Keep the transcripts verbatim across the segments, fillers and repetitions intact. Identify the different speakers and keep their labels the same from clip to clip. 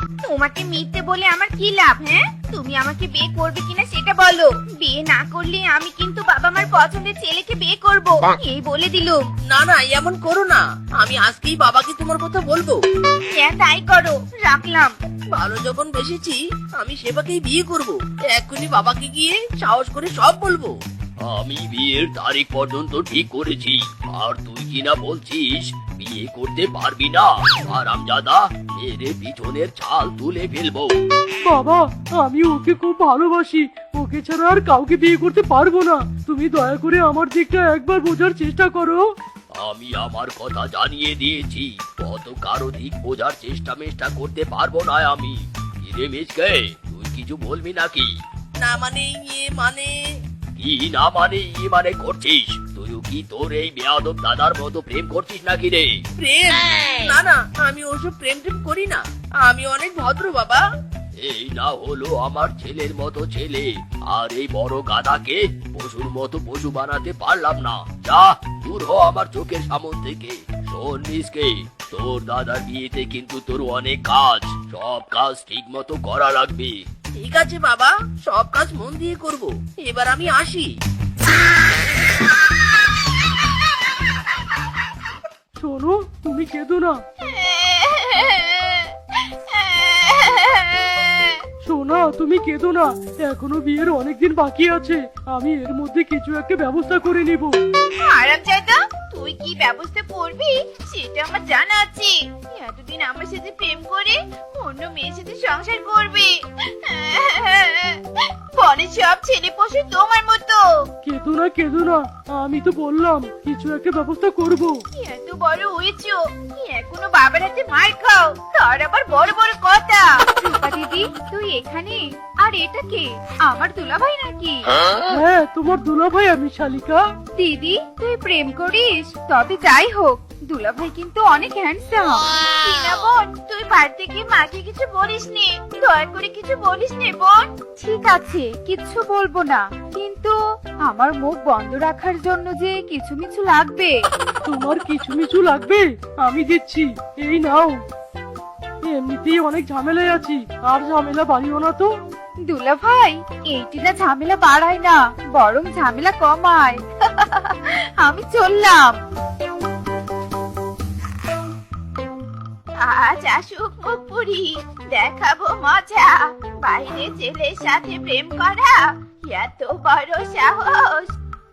Speaker 1: তোমাকে মিথ্যে বলে আমার কি লাভ? হ্যাঁ, তুমি আমাকে বিয়ে করবে কিনা সেটা বলো। বিয়ে না করলে আমি কিন্তু বাবা মার পছন্দের ছেলেকে বিয়ে করব, এই বলে দিলুম।
Speaker 2: না না, এমন করো না। আমি আজকেই বাবাকে তোমার কথা বলবো।
Speaker 1: হ্যাঁ তাই করো, রাখলাম।
Speaker 2: ভালো যখন বেসেছি, আমি সেবাকেই বিয়ে করব। এক্ষুনি বাবাকে গিয়ে সাহস করে সব বলবো।
Speaker 3: আমি বিয়ের তারিখ পর্যন্ত ঠিক করেছি, আর তুই কিনা বলছিস বিয়ে করতে পারবি না? আরামজাদা, মেরে পিছনের ছাল তুলে ফেলবো।
Speaker 4: বাবা, আমি ওকে খুব ভালোবাসি। ওকে ছাড়া আর কাউকে বিয়ে করতে পারবো না। তুমি দয়া করে আমার দিকটা একবার বোঝার চেষ্টা করো।
Speaker 3: আমি আমার কথা জানিয়ে দিয়েছি, কত কারো দিক বোঝার চেষ্টা মেষ্টা করতে পারবো না আমি। কিরে মিসকে, তুই কিছু বলবি নাকি?
Speaker 2: না মানে ইয়ে মানে
Speaker 3: কি না মানে ই মানে করছিস? তুইও কি তোর এই বেয়াদব দাদার মতো প্রেম করছিস নাকি রে?
Speaker 2: প্রেম? না না, আমি ওসব প্রেম টেম করি না। আমি অনেক ভদ্র বাবা।
Speaker 3: এই না হলো আমার ছেলের মতো ছেলে, আর এই বড় গাধাকে পশুর মতো পশু বানাতে পারলাম না। যা, দূর হ আমার চোখের সামন থেকে। শোন মিসকে, তোর দাদার বিয়েতে কিন্তু তোর অনেক কাজ, সব কাজ ঠিক মতো করা লাগবে।
Speaker 2: ঠিক আছে বাবা, সব কাজ মন দিয়ে করব। এবার আমি আসি।
Speaker 4: শোনো, তুমি কেঁদো না। সোনা, তুমি কেঁদো না। এখনো বিয়ের অনেকদিন বাকি আছে। আমি এর মধ্যে কিছু একটা ব্যবস্থা করে নিব।
Speaker 1: আরামজাদা, তুই কি ব্যবস্থা করবি সেটা আমার জানা আছে। এতদিন আমার সাথে প্রেম করে অন্য মেয়ের সাথে সংসার করবে। পরে সব ছেলে পশু তোমার মতো।
Speaker 4: কেঁদো না, কেঁদো না। আমি তো বললাম কিছু একটা ব্যবস্থা করব।
Speaker 1: এত বড় হয়েছো, এখনো বাবার হাতে মার খাও, তার আবার বড় বড় কথা। রূপা দিদি, তুই এখানে? আর এটা কে? আমার দুলাভাই নাকি?
Speaker 4: হ্যাঁ, তোমার দুলাভাই আমি, শালিকা।
Speaker 1: দিদি, তুই প্রেম করিস? তবে যাই হোক, দুলাভাই কিন্তু অনেক হ্যান্ডসাম। টিনা বোন, তুই বাড়িতে গিয়ে মাকে কিছু বলিস নে, দয়া করে কিছু বলিস নে বোন। ঠিক আছে, কিচ্ছু বলবো না, কিন্তু আমার মুখ বন্ধ রাখার জন্য যে কিছু মিছু লাগবে।
Speaker 4: তোমার কিছু মিছু লাগবে? আমি দিচ্ছি, এই নাও। এমনিতেই অনেক ঝামেলায় আছি, আর ঝামেলা বাড়িও না তো।
Speaker 1: দুলাভাই, এইটি না ঝামেলা বাড়ায় না, বরং ঝামেলা কমায়। আমি চললাম। আজ আসুক মুখ পুরি, দেখাবো মজা। বাইরে ছেলের সাথে প্রেম করা এত বড় সাহস।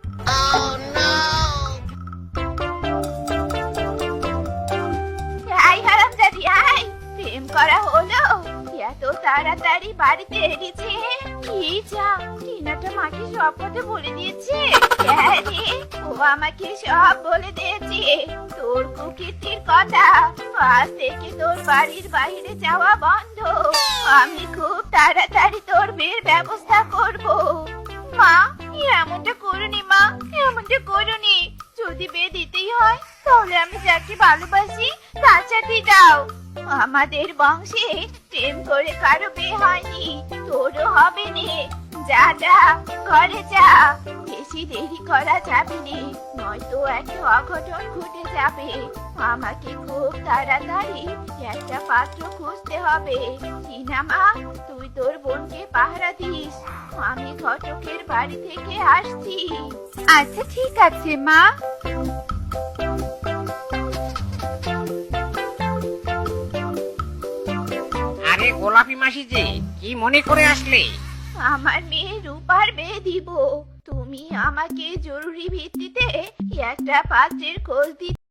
Speaker 1: আই হারামজাদি আই, প্রেম করা হলো? এত তাড়াতাড়ি বাড়িতে এসেছে? কি যা, টিনাটা মাকে সব কথা বলে দিয়েছে। হ্যাঁ রে, ও আমাকে সব বলে দিয়েছে, তোর কুকীর্তির কথা। আজ থেকে তোর বাড়ির বাইরে যাওয়া বন্ধ। আমি খুব তাড়াতাড়ি তোর বিয়ের ব্যবস্থা করব। মা, এমনটা করুনি মা, এমনটা করুনি। যদি বিয়ে দিতেই হয় তাহলে আমি যাকে ভালোবাসি তার সাথে দাও। আমাদের বংশে প্রেম করে কারো বিয়ে হয়নি, তোরও হবে নে। যা যা, ঘরে যা, বেশি দেরি করা যাবে না, নয়তো একটা অঘটন ঘটে যাবে। আমাকে খুব তাড়াতাড়ি একটা পাত্র খুঁজতে হবে। টিনা মা, তুই তোর বোনকে পাহারা দিস, আমি ঘটকের বাড়ি থেকে আসছি। আচ্ছা ঠিক আছে মা।
Speaker 5: আরে গোলাপি মাসি যে, কি মনে করে আসলে?
Speaker 1: আমার মেয়ে রূপার বিয়ে দিব, তুমি আমাকে জরুরি ভিত্তিতে একটা পাত্রের খোঁজ দিতে